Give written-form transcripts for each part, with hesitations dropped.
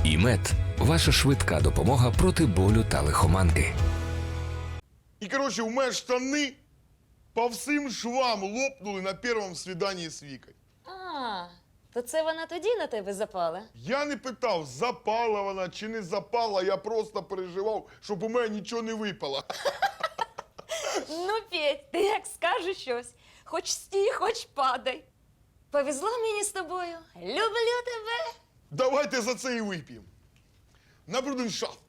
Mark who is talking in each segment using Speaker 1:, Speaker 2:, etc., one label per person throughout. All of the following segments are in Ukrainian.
Speaker 1: ІМЕД – ваша швидка допомога проти болю та лихоманки.
Speaker 2: И, короче, у меня штаны по всім швам лопнули на першому свиданні з Вікою.
Speaker 3: А, то це вона тоді на тебе запала?
Speaker 2: Я не питав, запала вона чи не запала, я просто переживав, щоб у мене нічого не випало.
Speaker 3: Ну, Петь, ти як скажеш щось. Хоч стій, хоч падай. Повезло мені з тобою. Люблю тебе.
Speaker 2: Давайте за це і вип'ємо. На бруденшафт.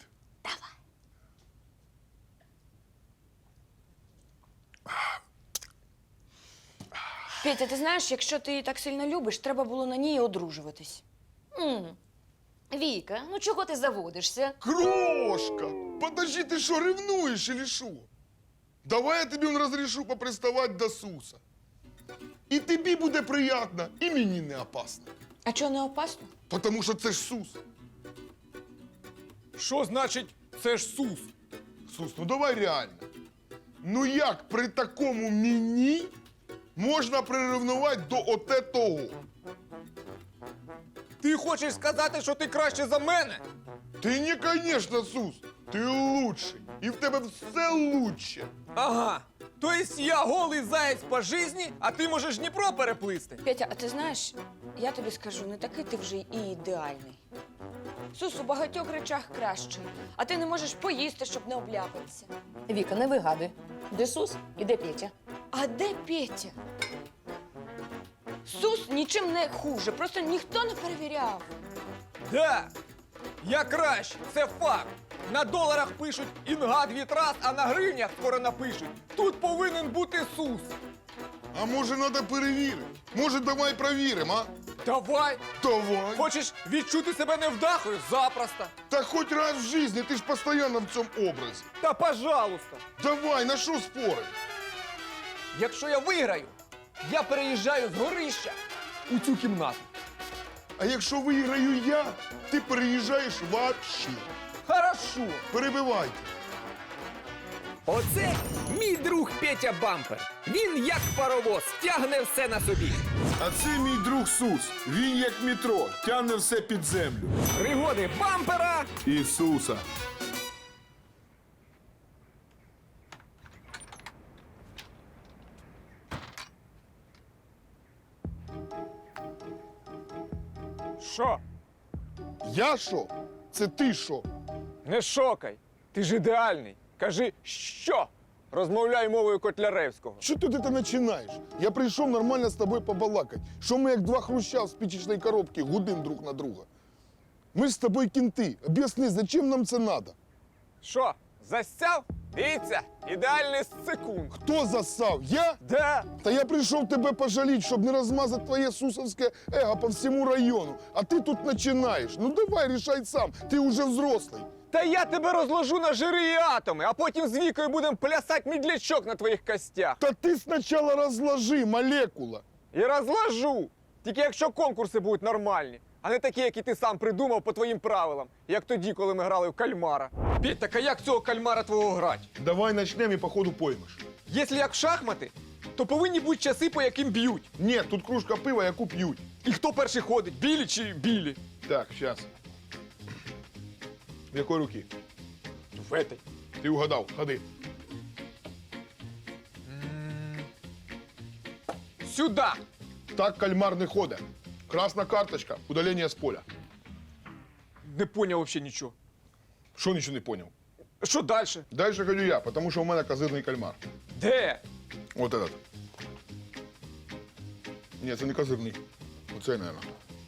Speaker 3: Петя, ти знаєш, якщо ти її так сильно любиш, треба було на ній одружуватись. Віка, ну чого ти заводишся?
Speaker 2: Крошка! Подожди, ти що, ревнуєш или що? Давай я тобі розрешу поприставати до Суса. І тобі буде приємно, і мені не опасно.
Speaker 3: А чого не опасно?
Speaker 2: Потому що це ж Сус.
Speaker 4: Що значить це ж Сус?
Speaker 2: Сус, ну давай реально. Ну як при такому мені можна приревнувати до оте того?
Speaker 4: Ти хочеш сказати, що ти краще за мене?
Speaker 2: Ти не, конечно, Сус. Ти лучший. І в тебе все лучше.
Speaker 4: Ага. Тобто я голий заєць по житті, а ти можеш Дніпро переплисти.
Speaker 3: Петя, а ти знаєш, я тобі скажу, не такий ти вже і ідеальний. Сус у багатьох речах кращий, а ти не можеш поїсти, щоб не обляпатися.
Speaker 5: Віка, не вигадуй. Де Сус і де Петя?
Speaker 3: А де Петя? Сус нічим не хуже, просто ніхто не перевіряв.
Speaker 4: Да. Я краще, це факт. На доларах пишуть «Інгад вітрас», а на гривнях скоро напишуть «Тут повинен бути Сус».
Speaker 2: А може треба перевірити? Може давай перевіримо, а?
Speaker 4: Давай.
Speaker 2: Давай.
Speaker 4: Хочеш відчути себе невдахою? Запросто.
Speaker 2: Та хоч раз в житті, ти ж постійно в цьому образі.
Speaker 4: Та пожалуйста.
Speaker 2: Давай, на що спорить?
Speaker 4: Якщо я виграю, я переїжджаю з горища у цю кімнату.
Speaker 2: А якщо виграю я, ти переїжджаєш вообще.
Speaker 4: Хорошо.
Speaker 2: Перебивайте.
Speaker 6: Оце мій друг Петя Бампер. Він як паровоз, тягне все на собі.
Speaker 2: А це мій друг Сус. Він як метро, тягне все під землю.
Speaker 6: Пригоди бампера.
Speaker 2: Ісуса.
Speaker 4: Що?
Speaker 2: Я що? Це ти що?
Speaker 4: Не шокай. Ти ж ідеальний. Кажи що? Розмовляй мовою Котляревського.
Speaker 2: Що ти починаєш? Я прийшов нормально з тобою побалакати. Що ми як два хруща з спичечної коробки гудим друг на друга. Ми ж з тобою кінти. Об'ясни, зачем нам це треба?
Speaker 4: Що? Засяв? Дивіться, ідеальний з секунд.
Speaker 2: Хто засав? Я?
Speaker 4: Да.
Speaker 2: Та я прийшов тебе пожаліть, щоб не розмазати твоє сусовське его по всьому району. А ти тут починаєш. Ну давай, рішай сам. Ти вже взрослий.
Speaker 4: Та я тебе розложу на жири і атоми, а потім з Вікою будемо плясати мідлячок на твоїх костях.
Speaker 2: Та ти спочатку розложи, молекула.
Speaker 4: І розложу. Тільки якщо конкурси будуть нормальні, а не такі, які ти сам придумав по твоїм правилам, як тоді, коли ми грали в кальмара. Петь, так а як цього кальмара твого грати?
Speaker 2: Давай почнемо і по ходу поймеш.
Speaker 4: Якщо як в шахмати, то повинні бути часи, по яким б'ють.
Speaker 2: Ні, тут кружка пива, яку п'ють.
Speaker 4: І хто перший ходить, білі чи білі?
Speaker 2: Так, зараз. В якої руки?
Speaker 4: В этой.
Speaker 2: Ти угадав, ходи.
Speaker 4: Сюда.
Speaker 2: Так кальмар не ходить. Красна карточка, удалення з поля.
Speaker 4: Не поняв взагалі нічого.
Speaker 2: Що нічого не поняв?
Speaker 4: Що далі?
Speaker 2: Дальше ходю я, тому що у мене козирний кальмар.
Speaker 4: Де?
Speaker 2: Вот этот. Ні, це не козирний. Оцей, мабуть.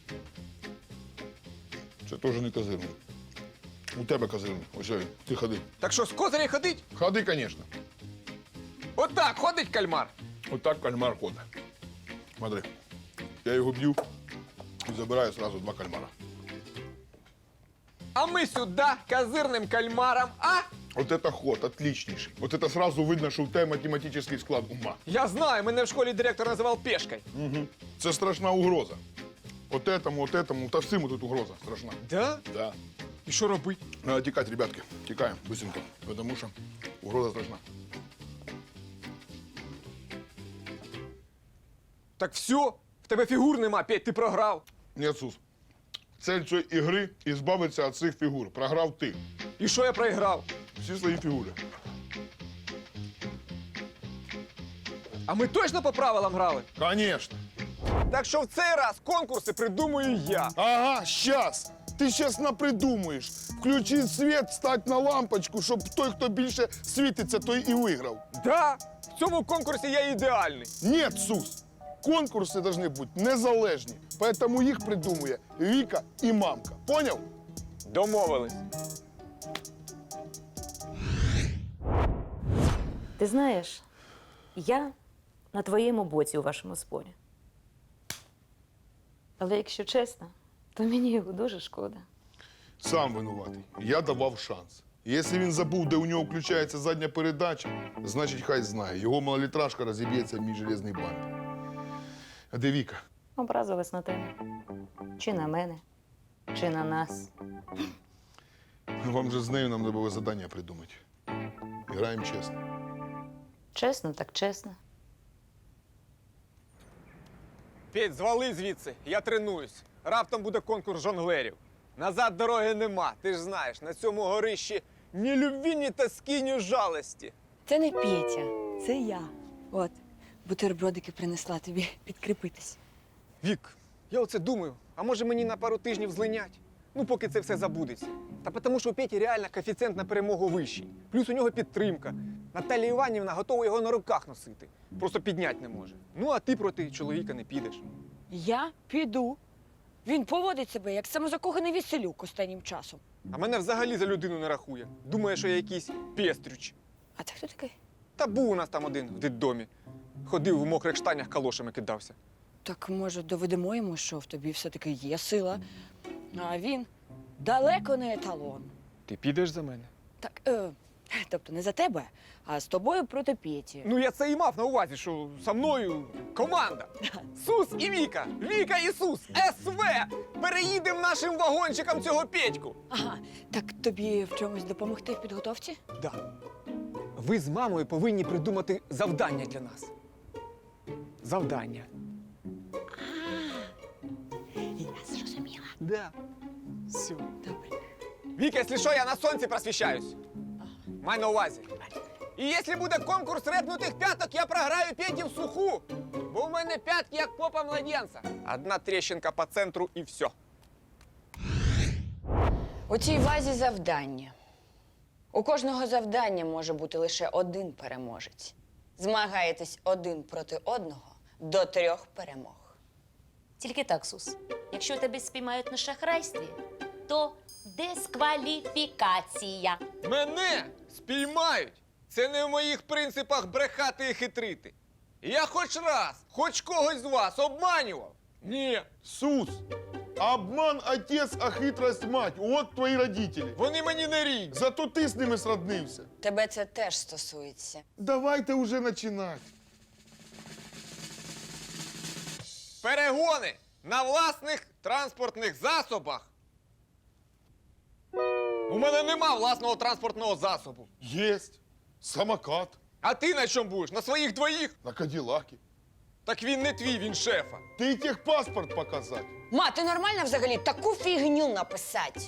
Speaker 2: Це теж не козирний. У тебе козирний. Ось він. Ти ходи.
Speaker 4: Так що, з козиря ходить?
Speaker 2: Ходи, звісно.
Speaker 4: Отак ходить кальмар.
Speaker 2: Отак кальмар ходить. Смотри. Я його б'ю і забираю одразу два кальмара.
Speaker 4: А ми сюди козирним кальмаром, а?
Speaker 2: Вот это ход, отличнейший. Вот это сразу видно, що у тебе математичний склад ума.
Speaker 4: Я знаю, мене в школі директор називав пешкою.
Speaker 2: Угу. Це страшна угроза. От этому, та всім тут угроза страшна.
Speaker 4: Да?
Speaker 2: Да.
Speaker 4: І що робити?
Speaker 2: Надо тікати, ребятки. Тікаємо, быстренько. Потому що угроза страшна.
Speaker 4: Так все, в тебе фігур нема, Петь, ти програв.
Speaker 2: Нет, Сус. Цель цієї ігри – ізбавитися від цих фігур. Програв ти.
Speaker 4: І що я проіграв?
Speaker 2: Всі свої фігури.
Speaker 4: А ми точно по правилам грали?
Speaker 2: Конечно.
Speaker 4: Так що в цей раз конкурси придумую я.
Speaker 2: Ага, щас. Ти щас напридумуєш. Включи світ, стать на лампочку, щоб той, хто більше світиться, той і виграв.
Speaker 4: Да, в цьому конкурсі я ідеальний.
Speaker 2: Нет, Сус. Конкурси должны бути незалежні. Поэтому їх придумує Віка і мамка. Поняв?
Speaker 4: Домовились.
Speaker 3: Ти знаєш, я на твоєму боці у вашому спорі. Але якщо чесно, то мені його дуже шкода.
Speaker 2: Сам винуватий. Я давав шанс. Якщо він забув, де у нього включається задня передача, значить хай знає. Його малолітражка розіб'ється в мій железний бампер. А де Віка?
Speaker 3: Образилась на тебе. Чи на мене, чи на нас.
Speaker 2: Вам же з нею нам треба завдання придумати. Граємо чесно.
Speaker 3: Чесно, так чесно.
Speaker 4: Петь, звали звідси, я тренуюсь. Раптом буде конкурс жонглерів. Назад дороги нема, ти ж знаєш, на цьому горищі ні любві, ні тоски, ні жалості.
Speaker 7: Це не Петя, це я. От, бутербродики принесла тобі підкріпитись.
Speaker 4: Вік, я оце думаю, а може мені на пару тижнів злинять? Ну, поки це все забудеться. Та тому, що у Петі реально коефіцієнт на перемогу вищий. Плюс у нього підтримка. Наталія Іванівна готова його на руках носити. Просто підняти не може. Ну, а ти проти чоловіка не підеш.
Speaker 7: Я піду. Він поводить себе як самозакоханий веселюк останнім часом.
Speaker 4: А мене взагалі за людину не рахує. Думає, що я якийсь пестрюч.
Speaker 7: А це хто такий?
Speaker 4: Та був у нас там один в дитдомі. Ходив в мокрих штанях, калошами кидався.
Speaker 7: Так, може, доведемо йому, що в тобі все-таки є сила, а він далеко не еталон.
Speaker 4: Ти підеш за мене?
Speaker 7: Так, тобто не за тебе, а з тобою проти Петі.
Speaker 4: Ну, я це і мав на увазі, що со мною команда. Сус і Віка. Віка і Сус. СВ. Переїдемо нашим вагончиком цього Петьку.
Speaker 7: Ага, так тобі в чомусь допомогти в підготовці?
Speaker 4: Да. Ви з мамою повинні придумати завдання для нас. Завдання.
Speaker 7: Я зрозуміла.
Speaker 4: Да. Все.
Speaker 7: Добре.
Speaker 4: Віка, якщо що, я на сонці просвіщаюсь. Май на увазі. І якщо буде конкурс репнутих п'яток, я програю Петі в суху. Бо в мене п'ятки, як попа младенця. Одна тріщинка по центру і все.
Speaker 7: У цій вазі завдання. У кожного завдання може бути лише один переможець. Змагаєтесь один проти одного до 3 перемог.
Speaker 3: Тільки так, Сус. Якщо тебе спіймають на шахрайстві, то дискваліфікація.
Speaker 4: Мене спіймають. Це не в моїх принципах брехати і хитрити. Я хоч раз, хоч когось з вас обманював. Ні.
Speaker 2: Сус, обман отець, а хитрость мать. От твої родителі.
Speaker 4: Вони мені не рідні.
Speaker 2: Зато ти з ними сроднився.
Speaker 7: Тебе це теж стосується.
Speaker 2: Давайте уже починати.
Speaker 4: Перегони на власних транспортних засобах. У мене нема власного транспортного засобу.
Speaker 2: Єсть. Самокат.
Speaker 4: А ти на чому будеш? На своїх двоїх?
Speaker 2: На Каділакі.
Speaker 4: Так він не твій, він шефа.
Speaker 2: Ти техпаспорт показати.
Speaker 7: Ма, ти нормально взагалі таку фігню написати?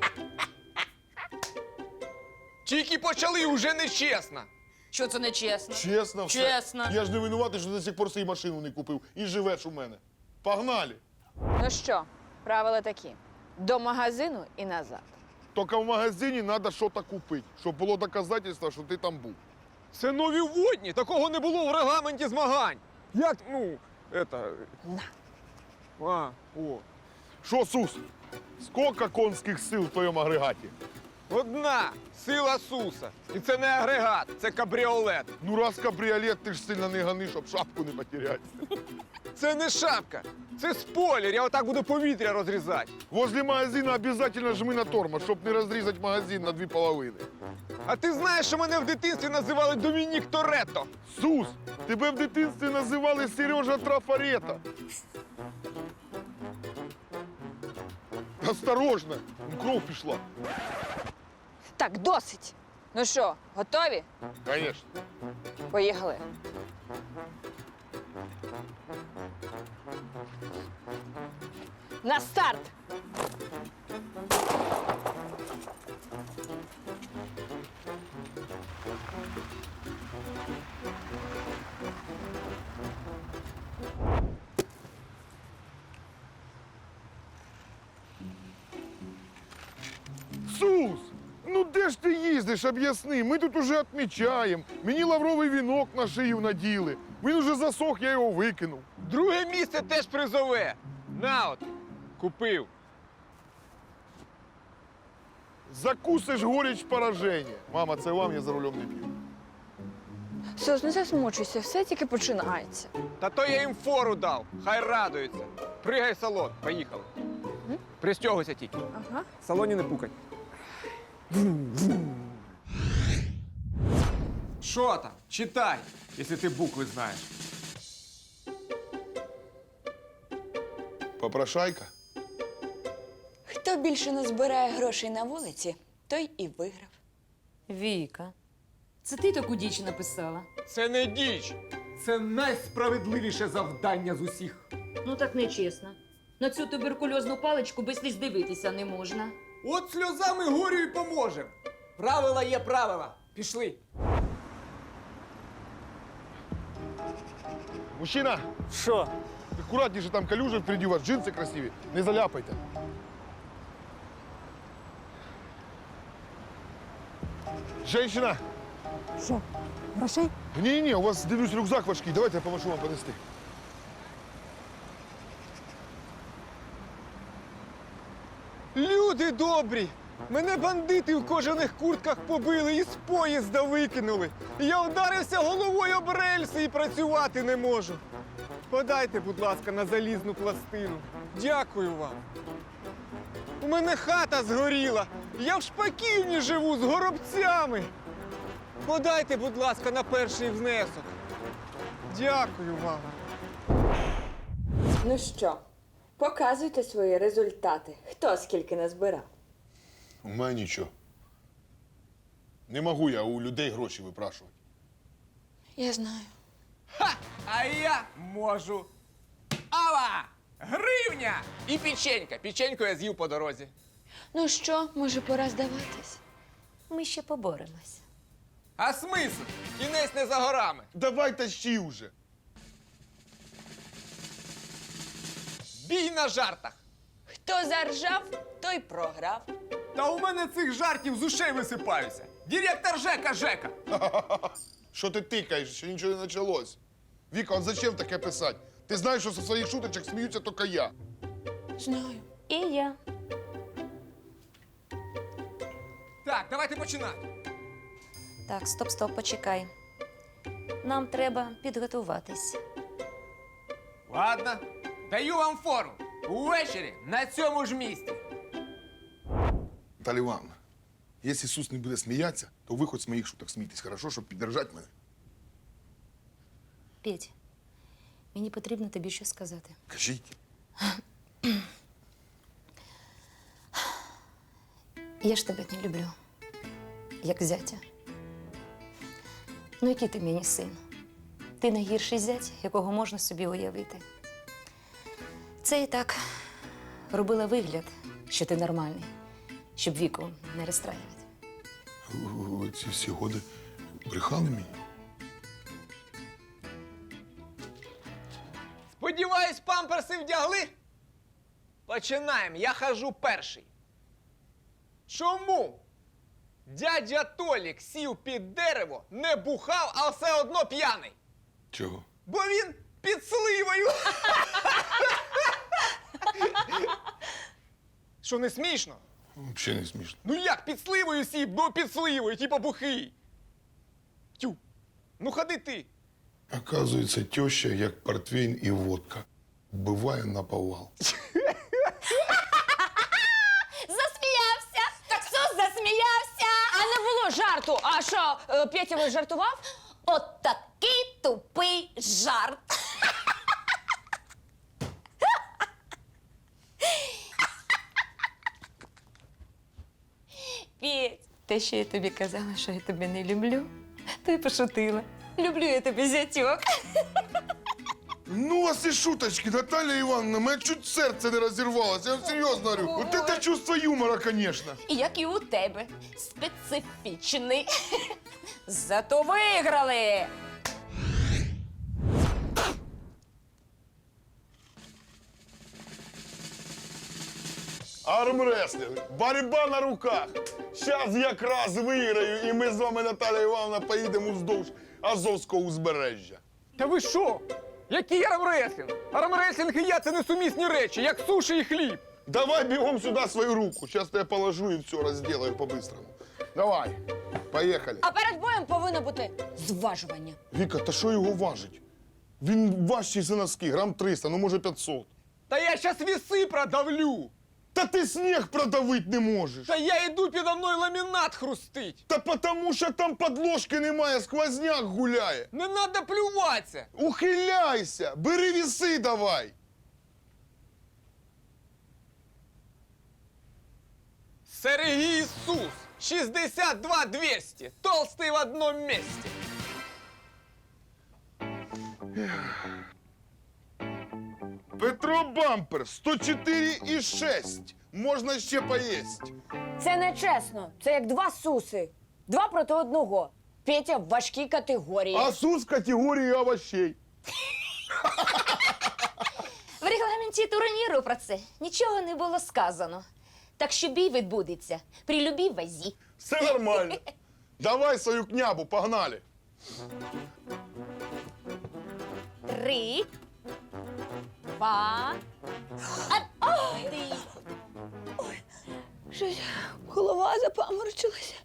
Speaker 4: Тільки почали, уже нечесно.
Speaker 3: Що це не чесно?
Speaker 2: Чесно все.
Speaker 3: Чесно.
Speaker 2: Я ж не винуватий, що до сих пор собі машину не купив. І живеш у мене. Погнали.
Speaker 7: Ну що, правила такі. До магазину і назад.
Speaker 2: Тільки в магазині треба щось купити, щоб було доказательство, що ти там був.
Speaker 4: Це нові водні, такого не було в регламенті змагань. Як, ну, это... А, о.
Speaker 2: Що, Сус? Скільки конських сил в твоєму агрегаті?
Speaker 4: Одна сила Суса. І це не агрегат, це кабріолет.
Speaker 2: Ну раз кабріолет, ти ж сильно не гони, щоб шапку не потеряти.
Speaker 4: Це не шапка, це спойлер, я отак буду повітря розрізати.
Speaker 2: Возле магазина обязательно жми на тормоз, щоб не розрізати магазин на 2 половини.
Speaker 4: А ти знаєш, що мене в дитинстві називали Домінік Торетто?
Speaker 2: Сус, тебе в дитинстві називали Сережа Трафарета. Осторожно, кров пішла.
Speaker 7: Так, досить. Ну що, готові?
Speaker 2: Конечно.
Speaker 7: Поїхали. На старт!
Speaker 2: Сус! Ну де ж ти їздиш, об'ясни? Ми тут уже відмічаємо. Мені лавровий вінок на шию наділи. Він уже засох, я його викинув.
Speaker 4: Друге місце теж призове. На от, купив.
Speaker 2: Закусиш горіч пораження. Мама, це вам, я за рулем не п'ю.
Speaker 7: Сос, не засмучуйся, все тільки починається.
Speaker 4: Та то я їм фору дав. Хай радуються. Пригай в салон, поїхали. Пристягуйся тільки.
Speaker 7: Ага.
Speaker 4: В салоні не пукай. Що там? Читай, якщо ти букви знаєш.
Speaker 2: Попрошайка?
Speaker 7: Хто більше назбирає грошей на вулиці, той і виграв.
Speaker 3: Віка, це ти таку діч написала?
Speaker 4: Це не діч. Це найсправедливіше завдання з усіх.
Speaker 3: Ну так нечесно. На цю туберкульозну паличку без сліз дивитися не можна.
Speaker 4: От сльозами горю й поможем. Правила є правила. Пішли.
Speaker 2: Мужчина,
Speaker 4: Що?
Speaker 2: акуратніше, там калюжа впереді у вас, джинси красиві. Не заляпайте. Женщина!
Speaker 8: Що, грошей?
Speaker 2: Ні, у вас, дивлюсь, рюкзак важкий. Давайте я поможу вам понести.
Speaker 4: Люди добрі! Мене бандити в кожаних куртках побили і з поїзда викинули. Я вдарився головою об рельси і працювати не можу. Подайте, будь ласка, на залізну пластину. Дякую вам. У мене хата згоріла. Я в Шпаківні живу з горобцями. Подайте, будь ласка, на перший внесок. Дякую вам.
Speaker 7: Ну що, показуйте свої результати. Хто скільки назбирав?
Speaker 2: У мене нічого. Не можу я у людей гроші випрашувати.
Speaker 7: Я знаю.
Speaker 6: Ха! А я можу. Ава! Гривня! І печенька. Печеньку я з'їв по дорозі.
Speaker 7: Ну що, може, пора здаватись?
Speaker 3: Ми ще поборемось.
Speaker 6: А смисл? Кінець не за горами.
Speaker 2: Давай тащи вже.
Speaker 6: Бій на жартах.
Speaker 7: Хто заржав, той програв.
Speaker 6: Та у мене цих жартів з ушей висипаються. Директор Жека.
Speaker 2: Що ти тикаєш, ще нічого не почалось. Віка, от зачем таке писати? Ти знаєш, що зі своїх шуточок сміються тільки я.
Speaker 7: Знаю.
Speaker 3: І я.
Speaker 6: Так, давайте починати.
Speaker 3: Так, стоп, почекай. Нам треба підготуватись.
Speaker 6: Ладно, даю вам фору. Увечері на цьому ж місці.
Speaker 2: Наталя Івановна, якщо Ісус не буде сміятися, то ви хоч з моїх шуток смійтесь, хорошо, щоб піддержати мене.
Speaker 3: Петь, мені потрібно тобі щось сказати.
Speaker 2: Кажіть.
Speaker 3: Я ж тебе не люблю, як зятя. Ну, який ти мені син? Ти найгірший зять, якого можна собі уявити. Це і так робила вигляд, що ти нормальний, щоб Віку не розстраювати.
Speaker 2: Ви ці всі годи брехали мені?
Speaker 6: Сподіваюсь, памперси вдягли? Починаємо. Я хожу перший. Чому? Дядя Толік сів під дерево, не бухав, а все одно п'яний.
Speaker 2: Чого?
Speaker 6: Бо він під сливою. Що, не смішно?
Speaker 2: Взагалі не смішно.
Speaker 6: Ну як під сливою сів, бо під сливою, типа бухий. Тю. Ну ходи ти.
Speaker 2: Оказується, теща, як портвейн і водка. Буває наповал.
Speaker 3: Засміявся! Таксус засміявся!
Speaker 7: А не було жарту. А що, Петя жартував?
Speaker 3: От такий тупий жарт. Петь, те, що я тобі казала, що я тебе не люблю, то й пошутила. Люблю я тебе, зятьок.
Speaker 2: Ну, у вас і шуточки, Наталя Івановна, мене чуть серце не розірвалося, я вам серйозно говорю. Вот это чувство юмора, конечно.
Speaker 3: І як і у тебе. Специфічний. Зато виграли!
Speaker 2: Армрестлинг, боротьба на руках. Зараз якраз виграю, і ми з вами, Наталя Івановна, поїдемо вздовж Азовського узбережжя.
Speaker 4: Та ви що? Який армреслінг? Армреслінг і я це несумісні речі, як суші і хліб.
Speaker 2: Давай бігом сюди свою руку. Зараз я положу і все розділаю по-бистрому. Давай, поїхали.
Speaker 7: А перед боєм повинно бути зважування.
Speaker 2: Віка, та що його важить? Він важчий за носки, грам 300, ну може 500.
Speaker 4: Та я щас віси продавлю.
Speaker 2: Та ти сніг продавити не можеш.
Speaker 4: Та я йду підо мною ламінат хрустить.
Speaker 2: Та потому що там подложки немає, сквозняк гуляє.
Speaker 4: Не треба плюватися.
Speaker 2: Ухиляйся, бери віси давай.
Speaker 4: Сергій Ісус, 62 200, толстий в одному місці.
Speaker 2: Петро Бампер, 104,6. Можна ще поїсть.
Speaker 7: Це не чесно. Це як два суси. Два проти одного. Петя в важкій категорії.
Speaker 2: А сус категорії овощей.
Speaker 3: В регламенті турніру про це нічого не було сказано. Так що бій відбудеться при любій вазі.
Speaker 2: Все нормально. Давай свою княбу, погнали.
Speaker 3: 3, 2, 1.
Speaker 7: Щось голова запаморочилася.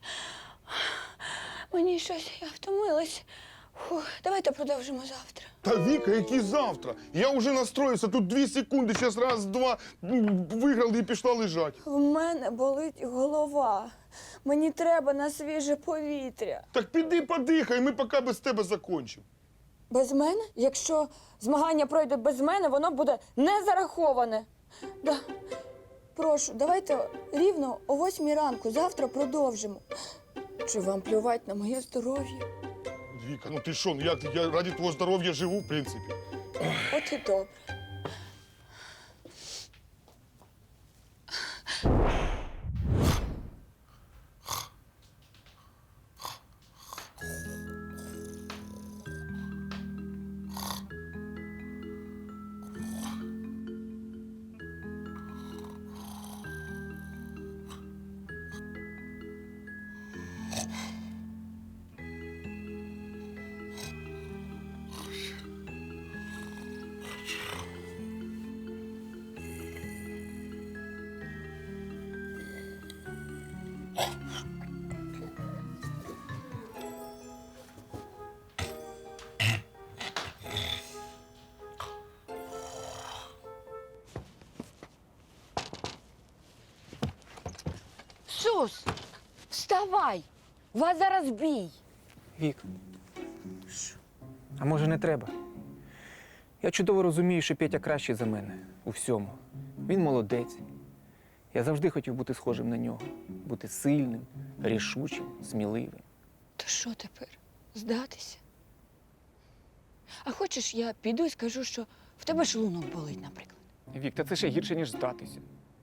Speaker 7: Мені щось, я втомилась. Фух, давайте продовжимо завтра.
Speaker 2: Та Віка, який завтра? Я вже настроївся, тут 2 секунди, зараз раз, два, виграли і пішла лежати.
Speaker 7: В мене болить голова. Мені треба на свіже повітря.
Speaker 2: Так піди подихай, ми поки без тебе закончимо.
Speaker 7: Без мене? Якщо змагання пройде без мене, воно буде не зараховане. Да. Прошу, давайте рівно о 8 ранку, завтра продовжимо. Чи вам плювать на моє здоров'я?
Speaker 2: Віка, ну ти що, ну я ради твого здоров'я живу, в принципі.
Speaker 7: От і добре. Сус, вставай! У вас зараз бій.
Speaker 4: Вік. А може не треба? Я чудово розумію, що Петя кращий за мене у всьому. Він молодець. Я завжди хотів бути схожим на нього. Бути сильним, рішучим, сміливим.
Speaker 7: То що тепер? Здатися? А хочеш, я піду і скажу, що в тебе шлунок болить, наприклад.
Speaker 4: Вік, та це ще гірше, ніж здатися.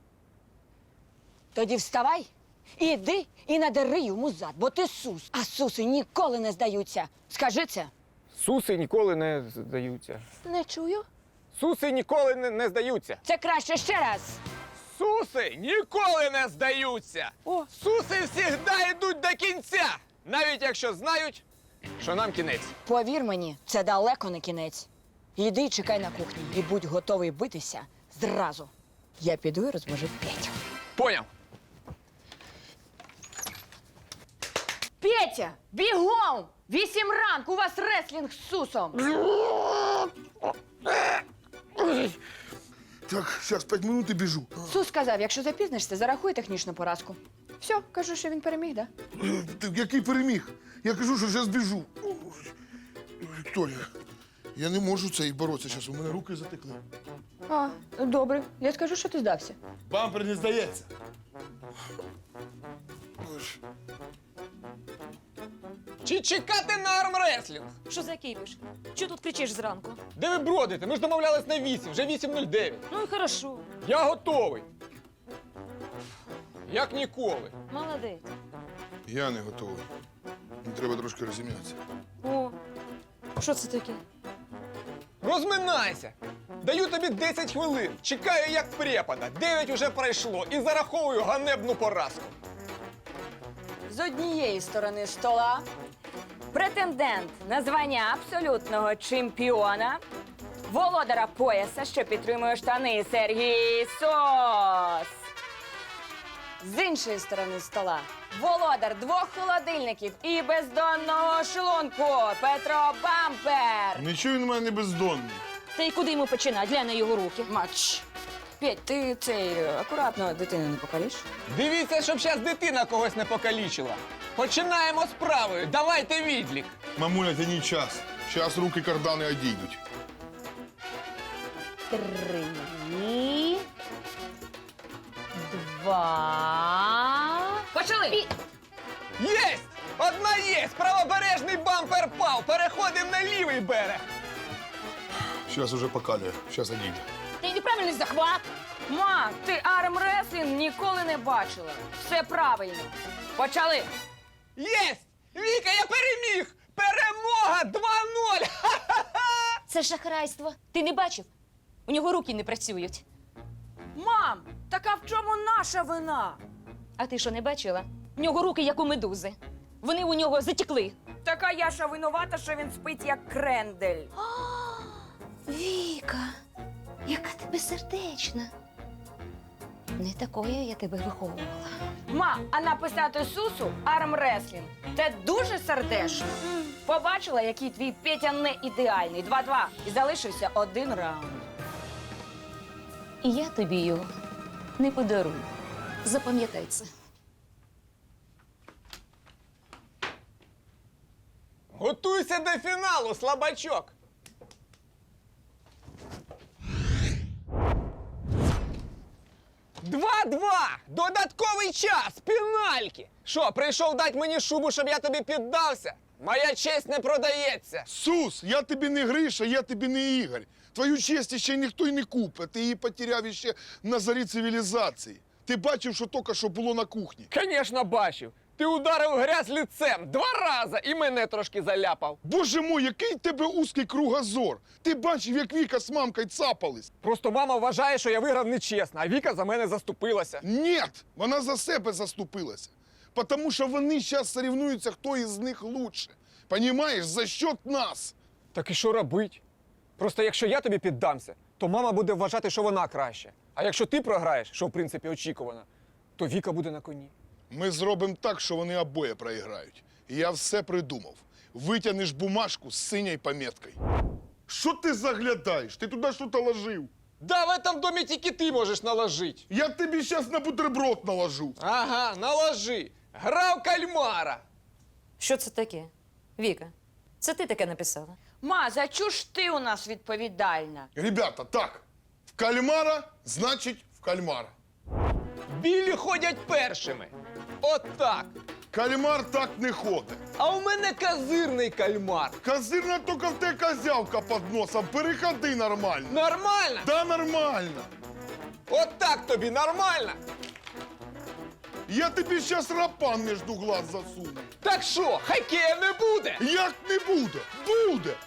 Speaker 7: Тоді вставай, іди і надери йому зад, бо ти сус. А суси ніколи не здаються. Скажи це.
Speaker 4: Суси ніколи не здаються.
Speaker 7: Не чую.
Speaker 4: Суси ніколи не здаються.
Speaker 7: Це краще ще раз.
Speaker 6: Суси ніколи не здаються.
Speaker 7: О.
Speaker 6: Суси завжди йдуть до кінця, навіть якщо знають, що нам кінець.
Speaker 7: Повір мені, це далеко не кінець. Іди і чекай на кухні і будь готовий битися зразу. Я піду і розможу Петю.
Speaker 6: Поняв.
Speaker 7: Петя, бігом! 8 ранку, у вас реслінг з сусом.
Speaker 2: Так, зараз 5 минут і біжу.
Speaker 7: Сус сказав, якщо запізнишся, зарахуй технічну поразку. Все, кажу, що він переміг, да?
Speaker 2: Який переміг? Я кажу, що зараз біжу. Вікторія, Я не можу це і боротися зараз, у мене руки затекли.
Speaker 7: А, добре. Я скажу, що ти здався.
Speaker 2: Бампер не здається.
Speaker 6: Чи чекати на армреслінг?
Speaker 3: Що за кипиш? Чого тут кричиш зранку?
Speaker 6: Де ви бродите? Ми ж домовлялись на 8, вже 8:09.
Speaker 3: Ну і хорошо.
Speaker 6: Я готовий. Як ніколи.
Speaker 3: Молодець.
Speaker 2: Я не готовий. Мені треба трошки розім'ятися.
Speaker 3: О, що це таке?
Speaker 6: Розминайся. Даю тобі 10 хвилин. Чекаю, як препада. 9 уже пройшло і зараховую ганебну поразку.
Speaker 7: З однієї сторони стола претендент на звання абсолютного чемпіона, володара пояса, що підтримує штани Сергій Сос. З іншої сторони стола володар 2 холодильників і бездонного шлунку Петро Бампер.
Speaker 2: Нічого він у мене не бездонний.
Speaker 3: Та й куди йому починати? Глянь на його руки.
Speaker 7: Мач. Петь, ти цей акуратно дитину не покаліш?
Speaker 6: Дивіться, щоб зараз дитина когось не покалічила. Починаємо з правої. Давайте відлік.
Speaker 2: Мамуля, тяні час. Зараз руки кардани одійдуть.
Speaker 3: 3, 2... Почали!
Speaker 6: Єсть! Одна єсть! Правобережний бампер пав! Переходимо на лівий берег!
Speaker 2: Зараз уже покалює. Зараз одійде.
Speaker 3: Ти неправильний захват!
Speaker 7: Ма, ти армреслінг ніколи не бачила. Все правильно. Почали.
Speaker 6: Єсть! Віка, я переміг! Перемога 2:0!
Speaker 3: Це шахрайство. Ти не бачив? У нього руки не працюють.
Speaker 7: Мам, так а в чому наша вина?
Speaker 3: А ти що, не бачила? У нього руки, як у медузи. Вони у нього затекли.
Speaker 7: Така Яша винувата, що він спить як крендель.
Speaker 3: Віка, яка ти безсердечна. Не такою я тебе виховувала.
Speaker 7: Ма, а написати Сусу армреслінг – це дуже сердечно. Побачила, який твій Петя не ідеальний. 2-2. І залишився 1 раунд.
Speaker 3: І я тобі його не подарую. Запам'ятай це.
Speaker 6: Готуйся до фіналу, слабачок! Два! Додатковий час! Пенальки! Що, прийшов дати мені шубу, щоб я тобі піддався? Моя честь не продається!
Speaker 2: Сус, я тобі не Гриша, я тобі не Ігор. Твою честь ще ніхто й не купить. Ти її потеряв ще на зарі цивілізації. Ти бачив, що тільки що було на кухні.
Speaker 6: Звісно, бачив. Ти ударив грязь лицем 2 рази і мене трошки заляпав.
Speaker 2: Боже мой, який в тебе узкий кругозор. Ти бачив, як Віка з мамкою цапались.
Speaker 6: Просто мама вважає, що я виграв нечесно, а Віка за мене заступилася.
Speaker 2: Ні, вона за себе заступилася. Тому що вони зараз соревнуються, хто із них лучше. Понімаєш, за счет нас.
Speaker 6: Так і що робить? Просто якщо я тобі піддамся, то мама буде вважати, що вона краще. А якщо ти програєш, що в принципі очікувано, то Віка буде на коні.
Speaker 2: Ми зробимо так, що вони обоє проіграють. І я все придумав. Витягнеш бумажку з синьою поміткою. Що ти заглядаєш? Ти туди щось ложив.
Speaker 6: Да, в этом домі тільки ти можеш наложити.
Speaker 2: Я тобі зараз на бутерброд наложу.
Speaker 6: Ага, наложи. Грав кальмара.
Speaker 3: Що це таке? Віка, це ти таке написала?
Speaker 7: Ма, за чу ж ти у нас відповідальна?
Speaker 2: Ребята, так. В кальмара, значить в кальмара.
Speaker 6: Білі ходять першими. Отак.
Speaker 2: Кальмар так не ходить.
Speaker 6: А у мене козирний кальмар.
Speaker 2: Козирна тільки в те козявка під носом. Переходи нормально.
Speaker 6: Нормально?
Speaker 2: Да, нормально.
Speaker 6: Отак тобі нормально?
Speaker 2: Я тобі зараз рапан між глаз засуну.
Speaker 6: Так що, хокея не буде?
Speaker 2: Як не буде? Буде.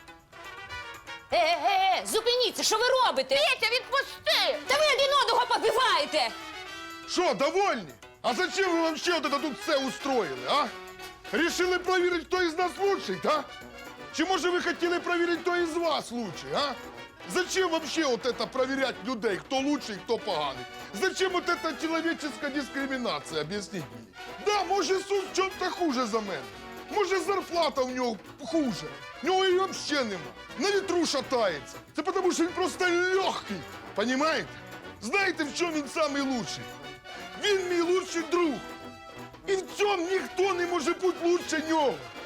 Speaker 3: Зупиніться, що ви робите? Петя, відпусти! Та ви один одного побиваєте!
Speaker 2: Що, довольні? А зачем ви вообще вот это тут все устроили, а? Решили проверить, кто из нас лучший, да? Чи може ви хотіли проверить, кто из вас лучший, а? Зачем вообще вот это проверять людей, кто лучший, кто поганий? Зачем вот эта человеческая дискриминация, объясніть мені? Да, може Сус в чому-то хуже за мене. Може зарплата в нього хуже. В нього її вообще нема. На вітру шатається. Це тому, що він просто легкий, понимаете? Знаєте, в чому він самий лучший? Він мій лучший друг. І в цьому ніхто не може бути лучше нього.